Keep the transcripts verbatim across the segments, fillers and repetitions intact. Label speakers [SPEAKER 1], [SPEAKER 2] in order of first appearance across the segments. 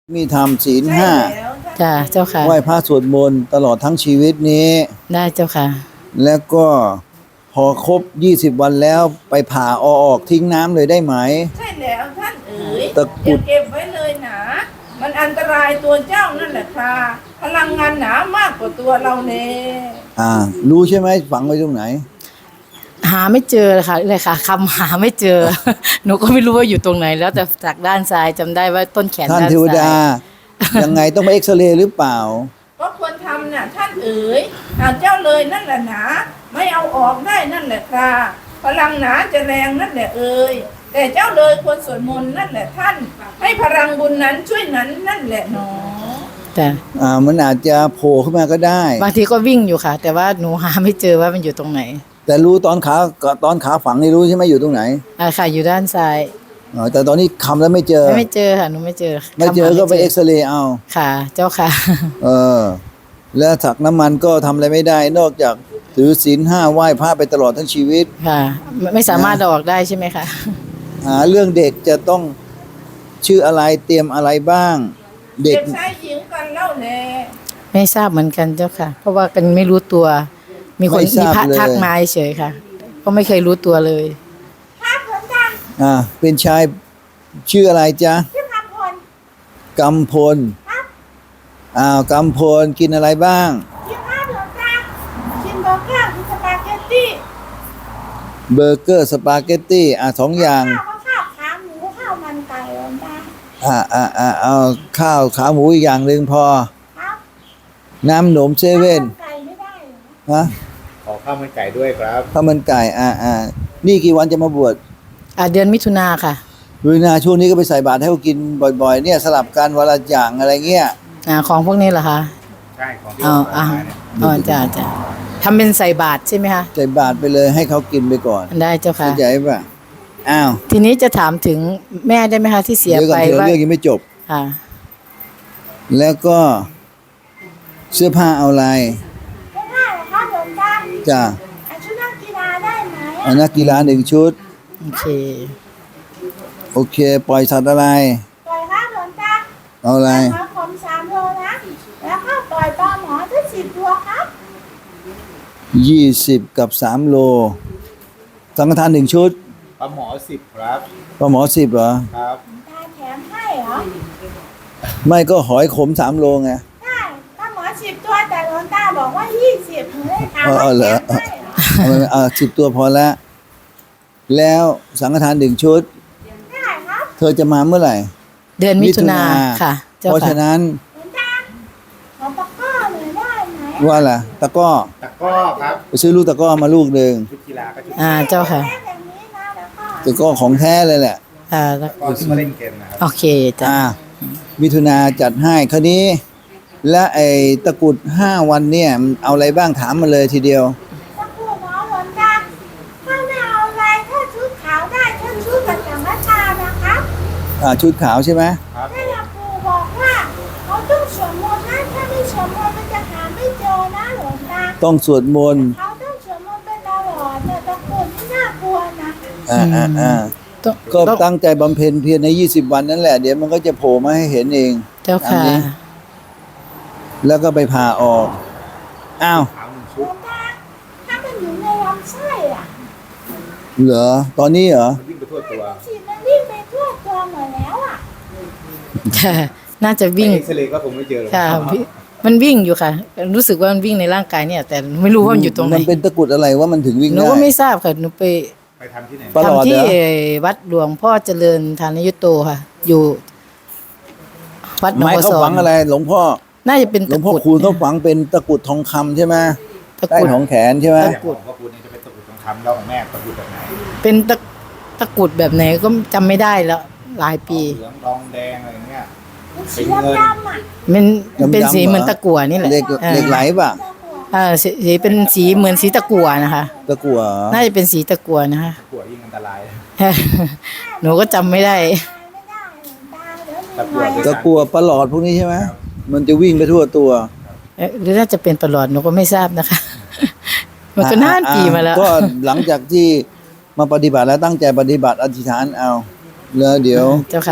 [SPEAKER 1] มีทำศีล
[SPEAKER 2] ใช่
[SPEAKER 1] ห้า
[SPEAKER 2] แล้วท่าน
[SPEAKER 3] จ้าเจ้าค่ะ
[SPEAKER 1] ไหว้พระสวดมนต์ตลอดทั้งชีวิตนี้
[SPEAKER 3] ได้เจ้าค่ะ
[SPEAKER 1] แล้วก็พอครบยี่สิบวันแล้วไปผ่าเอาออกทิ้งน้ำเลยได้ไหม
[SPEAKER 2] ใช่แล้วท่านเอ๋ย
[SPEAKER 1] ตะกรุ
[SPEAKER 2] อย่า
[SPEAKER 1] ด
[SPEAKER 2] เก็บไว้เลยหนามันอันตรายตัวเจ้านั่นแหละค่ะพลังงานหนามากกว่าตัวเราเน่
[SPEAKER 1] อ่า รู้ใช่ไหมฝังไว้ตรงไหน
[SPEAKER 3] หาไม่เจอเลยค่ะเลยค่ะคำหาไม่เจอ หนูก็ไม่รู้ว่าอยู่ตรงไหน แล้วแต่จากด้านซ้ายจำได้ว่าต้นแขน
[SPEAKER 1] ท่าน
[SPEAKER 3] ด้าน
[SPEAKER 1] เทว
[SPEAKER 3] ซ้า
[SPEAKER 1] ดา
[SPEAKER 3] ย
[SPEAKER 1] ยังไงต้องไปเอ็กซเรย์หรือเปล่า
[SPEAKER 2] ก็ควรทำน่ะท่านเอ๋ยหากเจ้าเลยนั่นแหละหนาไม่เอาออกได้นั่นแหละค่ะพลังหนาจะแรงนั่นแหละเอ๋ยแต่เจ้าเลยควรสวดมนต์นั่นแหละท่าน ให้พลังบุญนั้นช่วยนั้นนั่นแหละหนอ
[SPEAKER 3] แต่
[SPEAKER 1] อ่า มันอาจจะโผล่ขึ้นมาก็ได้
[SPEAKER 3] บางทีก็วิ่งอยู่ค่ะ แต่ว่าหนูหาไม่เจอว่ามันอยู่ตรงไหน
[SPEAKER 1] แต่รู้ตอนขาตอนขาฝังนี่รู้ใช่ไหมอยู่ตรงไหน
[SPEAKER 3] อ่าค่ะอยู่ด้านซ้าย
[SPEAKER 1] อ๋อแต่ตอนนี้คำแล้วไม่เจอ
[SPEAKER 3] ไม่เจอค่ะหนูไม่เจอ
[SPEAKER 1] ไม่เจอ
[SPEAKER 3] คำหา
[SPEAKER 1] ก็ไปเอ็กซเรย์เอา
[SPEAKER 3] ค่ะ เจ้าค่ะ
[SPEAKER 1] เออ แล้วถักน้ำมันก็ทำอะไรไม่ได้ นอกจากถือศีลห้าไหว้พระไปตลอดทั้งชีวิต
[SPEAKER 3] ค่ะไม่ไม่สามารถเอาออกได้ใช่ไหมคะ
[SPEAKER 1] หาเรื่องเด็กจะต้องชื่ออะไรเตรียมอะไรบ้าง เด็
[SPEAKER 2] เด็
[SPEAKER 1] ก
[SPEAKER 2] กชายหญิงกันเล่าแน่
[SPEAKER 3] ไม่ทราบเหมือนกันเจ้าค่ะ เพราะว่ากันไม่รู้ตัว มีคน
[SPEAKER 1] ไม่ท
[SPEAKER 3] มี
[SPEAKER 1] ราบ
[SPEAKER 3] พระ
[SPEAKER 1] เลย
[SPEAKER 3] ทักมาเฉยๆค่ะ ก็ไม่เคยรู้ตัวเลย
[SPEAKER 2] ครับเหมือนกัน
[SPEAKER 1] อ่าเป็นชายชื่ออะไรจ๊ะ
[SPEAKER 2] ชื่อคำพล
[SPEAKER 1] กำพลอ้าวกำพลกินอะไรบ้าง
[SPEAKER 2] กินข้าวเหลืองตากินเบอร์เกอร์กินสปาเกตตี้
[SPEAKER 1] เบอร์เกอร์สปาเกตตี้อ่าสองอย่าง
[SPEAKER 2] ข้าวก็ข้าวขาหมูข้าวมันไก่เหลืองตา
[SPEAKER 1] อ่าอ่าอ่าเอาข้าวขาหมูอีกอย่างหนึ่งพอ
[SPEAKER 2] ครับ
[SPEAKER 1] น้ำหนมเซเว่น
[SPEAKER 2] ข้าวมันไก่ไม่ได้เหรอ
[SPEAKER 1] ฮะ
[SPEAKER 4] ขอข้าวมันไก่ด้วยครับ
[SPEAKER 1] ข้าวมันไก่อ่าอ่านี่กี่วันจะมาบวช
[SPEAKER 3] อ่าเดือนมิถุนาค่ะ
[SPEAKER 1] ดูนาช่วงนี้ก็ไปใส่บาตรให้เขากินบ่อยๆ เนี่ยสลับกันวันละอย่างอะไรเงี้ย
[SPEAKER 3] อ่าของพวกนี้เหรอคะ
[SPEAKER 4] ใช่ของที่
[SPEAKER 3] อ๋อ
[SPEAKER 4] เรา
[SPEAKER 3] อ่า
[SPEAKER 4] ขายเนี่ย
[SPEAKER 3] อ๋อจ้าจ้าทำเป็นใส่บาตรใช่ไหมคะ
[SPEAKER 1] ใส่บาตรไปเลยให้เขากินไปก่อน
[SPEAKER 3] ได้เจ้าค่ะ
[SPEAKER 1] เข้าใจป่ะอ้าว
[SPEAKER 3] ทีนี้จะถามถึงแม่ได้ไหมคะที่เสีย
[SPEAKER 1] เดี๋ยวก่
[SPEAKER 3] ไป
[SPEAKER 1] อนเธอ
[SPEAKER 3] ว่า
[SPEAKER 1] เรื่องยังไม่จบ
[SPEAKER 3] ค่ะ
[SPEAKER 1] แล้วก็เสื้อผ้าเอาอะไร
[SPEAKER 2] ไม่ได้เหรอครับเหลืองตา
[SPEAKER 1] จ้ะ
[SPEAKER 2] อ่ะชุดนักกีฬาได้ไหม
[SPEAKER 1] เอานักกีฬาหนึ่งชุด
[SPEAKER 3] โอเค
[SPEAKER 1] โอเค ปล่อยสัตว์อะไร
[SPEAKER 2] ปล่อยครับเหลืองตา
[SPEAKER 1] เอาอะไร
[SPEAKER 2] ขอผมสามโลนะแล้วก็ปล่อยปลาหมอทั้งสิบตัวครับ
[SPEAKER 1] ยี่สิบกับสามโล สังฆทานหนึ่งชุด
[SPEAKER 4] ปลาหมอสิบครับ
[SPEAKER 1] ปลาหมอสิบเหรอ
[SPEAKER 4] ครับ
[SPEAKER 2] ตาแถมให้เหรอ
[SPEAKER 1] ไม่ก็หอยขมสามโลไง
[SPEAKER 2] ได้ปลาหมอสิบตัวแต่หลวงตาบอกว่ายี่สิบหนูเลยถาม
[SPEAKER 1] เออ
[SPEAKER 2] ว่า
[SPEAKER 1] เหร
[SPEAKER 2] แถ
[SPEAKER 1] อ
[SPEAKER 2] มให้เหรอ
[SPEAKER 1] เอาไปเอาสิบตัวพอแล้ว แล้วสังฆทานหนึ่งชุด
[SPEAKER 2] ได้ครับ
[SPEAKER 1] เธอจะมาเมื่อไหร่
[SPEAKER 3] เดือนมิถุนาค่ะ เจ้า
[SPEAKER 1] เพราะ
[SPEAKER 3] ค่ะ
[SPEAKER 1] ฉะนั้น
[SPEAKER 2] หลวงตาขอตะกร้อหน่อยได้ไหม
[SPEAKER 1] ว่าล่ะตะกร้อ
[SPEAKER 4] ตะกร้อครับ
[SPEAKER 1] ไปซื้อลูกตะกร้อมาลูกหนึ่ง
[SPEAKER 4] ชุดกีฬาก็ชุด
[SPEAKER 3] อ่าเจ้าค่ะ
[SPEAKER 2] แค่แบบนี้นะแล้วก็
[SPEAKER 1] ตะกร้อของแท้เลยแหละ
[SPEAKER 3] อ่า
[SPEAKER 4] ตะกร้อที่มาเล่นเกมนะครับ
[SPEAKER 3] โอเคจ้ะ
[SPEAKER 1] อ่ามิถุนาจัดให้คราวนี้ และไอ้ตะกรุดห้าวันเนี่ยมันเอาอะไรบ้างถามมาเลยทีเดียว
[SPEAKER 2] ตะกร้อหมอหลวงตาถ้าไม่เอาอะไรถ้าชุดขาวได้ถ้าชุดกับสังฆทานนะครับ
[SPEAKER 1] อ่าชุดขาวใช่ไหม
[SPEAKER 4] ครับ
[SPEAKER 2] แม่ยาปูบอกว่าเขาต้องสวดมนต์นะถ้าไม่สวดมนต์มันจะหาไม่เจอนะหลวงตา
[SPEAKER 1] ต้องสวดมนต์
[SPEAKER 2] เขาต้องสวดมนต์เป็นตลอดเนี่ยตะกรุดที่น่ากลัวนะ
[SPEAKER 1] อ่าอ่าอ่า
[SPEAKER 3] ต้อง
[SPEAKER 1] ก็
[SPEAKER 3] ต้อง
[SPEAKER 1] ตั้งใจบำเพ็ญเพียรในยี่สิบวันนั่นแหละเดี๋ยวมันก็จะโผล่มาให้เห็นเอง
[SPEAKER 3] เจ้าค่ะ
[SPEAKER 1] อันนี้ แล้วก็ไปผ่าออกอ้าว
[SPEAKER 4] ขาวหนึ่ง
[SPEAKER 2] หล
[SPEAKER 4] ชุด
[SPEAKER 2] วงตาถ้ามันอยู่ในลำไส้อะ
[SPEAKER 1] เหรอตอนนี้เหรอ
[SPEAKER 4] มันวิ่งไปทั่วตัว
[SPEAKER 2] ฉีดมันวิ่งไปทั่วตัวหมดแล้วอะ
[SPEAKER 3] ค่ะ น่าจะวิ่ง
[SPEAKER 4] เอ็กซเรย์ก็คงไม่เจอหรอก
[SPEAKER 3] ค่ะพี่มันวิ่งอยู่ค่ะ รู้สึกว่ามันวิ่งในร่างกายเนี่ย แต่ไม่รู้ว่ามันอยู่ตรงไหน
[SPEAKER 1] มันเป็นตะกรุดอะไรว่ามันถึงวิ่ง
[SPEAKER 3] หนู
[SPEAKER 1] ได้
[SPEAKER 3] ก็ไม่ทราบค่ะหนูไป
[SPEAKER 4] ไปทำที่ไหน
[SPEAKER 1] ปลอด
[SPEAKER 3] ทำที่
[SPEAKER 1] เหรอ
[SPEAKER 3] วัดหลวงพ่อเจริญธานยุตโตค่ะ อยู่ วัดหนอง
[SPEAKER 1] ไม้
[SPEAKER 3] บัว
[SPEAKER 1] เขา
[SPEAKER 3] ซอ
[SPEAKER 1] ฝั
[SPEAKER 3] ง
[SPEAKER 1] งอะไร หลวงพ่อ
[SPEAKER 3] น่าจะเป็น
[SPEAKER 1] หลว
[SPEAKER 3] ตะ
[SPEAKER 1] ง
[SPEAKER 3] ก
[SPEAKER 1] พ่อ
[SPEAKER 3] รุด
[SPEAKER 1] คูณเขาฝังเป็นตะกรุดทองคำใช่ไหม
[SPEAKER 3] ตะ
[SPEAKER 1] ใต้
[SPEAKER 3] กรุด
[SPEAKER 1] ของแขนใช่ไหม
[SPEAKER 4] อย่างของพ่อคุณนี่จะเป็นตะกรุดทองคำแล้วของแม่ตะกรุดแบบไหน
[SPEAKER 3] เป็นตะตะกรุดแบบไหนก็จำไม่ได้แล้วหลายปี
[SPEAKER 4] เหลืองทองแดงอะไรอย่างเงี้ย
[SPEAKER 2] มันสีดำๆอะ
[SPEAKER 3] มัน
[SPEAKER 1] ดำๆ
[SPEAKER 3] เป็นสี
[SPEAKER 1] เหรอ
[SPEAKER 3] เหมือนตะกั่วนี่แหละ
[SPEAKER 1] เหล็ก
[SPEAKER 3] ออ
[SPEAKER 1] เหล็กไหลป่ะ
[SPEAKER 3] เออสีสีเป็นสีเหมือนสีตะกั่วนะคะ
[SPEAKER 1] ตะกั่ว
[SPEAKER 3] น่าจะเป็นสีตะกั่วนะคะ
[SPEAKER 4] ตะกั่วยิ่งอันตราย
[SPEAKER 3] หนูก็จำไม่ได้
[SPEAKER 2] ไม่ได้หลวงตาเดี๋ยวมี
[SPEAKER 4] ตะกั่ว
[SPEAKER 2] หน่อย
[SPEAKER 1] ตะกั่วประหลอดพวกนี้ใช่ไหมมันจะวิ่งไปทั่วตัว
[SPEAKER 3] เอ๊ะหรือน่าจะเป็นประหลอดหนูก็ไม่ทราบนะคะ มันก็นานปีมาแล้ว
[SPEAKER 1] ก็หลังจากที่มาปฏิบัติแล้วตั้งใจปฏิบัติอธิษฐานเอาแล้วเดี๋ยว
[SPEAKER 3] เจ้าค่ะ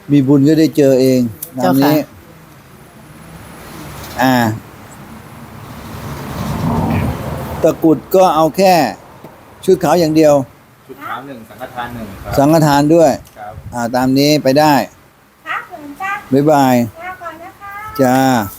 [SPEAKER 1] มีบุญก็ได้เจอเองตามนี้
[SPEAKER 3] เจ้าค่ะ
[SPEAKER 1] อ่า ตะกรุดก็เอาแค่ชุดขาวอย่างเดียว
[SPEAKER 4] ชุดขาวหนึ่งสังฆทานหนึ่งครับ
[SPEAKER 1] สังฆทานด้วย
[SPEAKER 4] ครับ
[SPEAKER 1] อ่า ตามนี้ไปได้
[SPEAKER 2] ครับหลวงตา
[SPEAKER 1] บ๊ายบาย
[SPEAKER 2] ลาก่อนนะคะ
[SPEAKER 1] จ้า